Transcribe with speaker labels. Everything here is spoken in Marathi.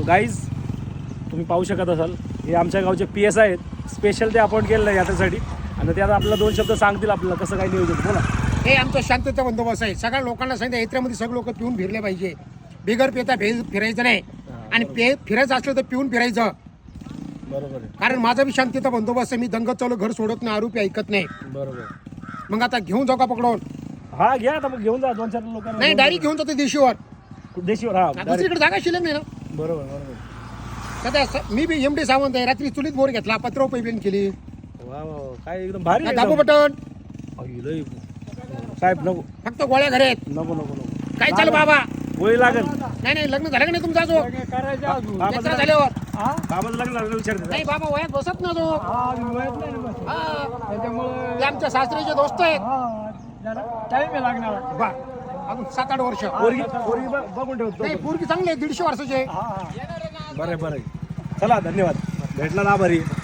Speaker 1: तो गाईज तुम्ही पाहू शकत असाल हे आमच्या गावचे PS आहेत, स्पेशल ते अपॉइंट केलेलं आहे याच्यासाठी. आणि ते आता आपल्याला 2 शब्द सांगतील आपल्याला कसं काय नियोजन. बोला.
Speaker 2: हे आमचं शांतता बंदोबस्त आहे. सगळ्या लोकांना सांगितलं यात्रेमध्ये सगळे लोक पिऊन फिरले पाहिजे. बिगर पिता फिरायचं नाही आणि फिरायचं असलं तर पिऊन फिरायचं.
Speaker 1: बरोबर आहे.
Speaker 2: कारण माझा बी शांतता बंदोबस्त आहे. मी दंगत चालू घर सोडत नाही, आरोपी ऐकत नाही.
Speaker 1: बरोबर.
Speaker 2: मग आता घेऊन जाऊ का पकडून?
Speaker 1: हा घ्या आता मग घेऊन जा 2-4 लोकांना.
Speaker 2: नाही डायरेक्ट घेऊन जातो देशीवर.
Speaker 1: देशीवर. हा
Speaker 2: दुसरीकडे जागा शिल्लक नाही ना.
Speaker 1: बरोबर बरोबर.
Speaker 2: सध्या मी बी MD सावंत आहे. रात्री चुलीत बोर घेतला, पत्र पेमेंट केली.
Speaker 1: वा वा काय एकदम भारी आहे.
Speaker 2: दाबू बटन
Speaker 1: साहेब नको
Speaker 2: फक्त गोळ्या घरे आहेत.
Speaker 1: नको नको नको.
Speaker 2: काय चालू बाबा?
Speaker 1: गोळी लागेल.
Speaker 2: नाही लग्न झालं का नाही तुमचा जो? यात्रा झाल्यावर
Speaker 1: बाबाचं लग्न झालं विचारते.
Speaker 2: नाही बाबा वयात बसत ना जो. ते आमच्या सासरीचे दोस्त आहेत. बा अजून 7-8 वर्ष.
Speaker 1: पोरगी बघून ठेवतो.
Speaker 2: नाही पोरगी चांगली आहे, 150 वर्षाची आहे.
Speaker 1: बरं बरं. चला धन्यवाद. भेटला ना आभारी.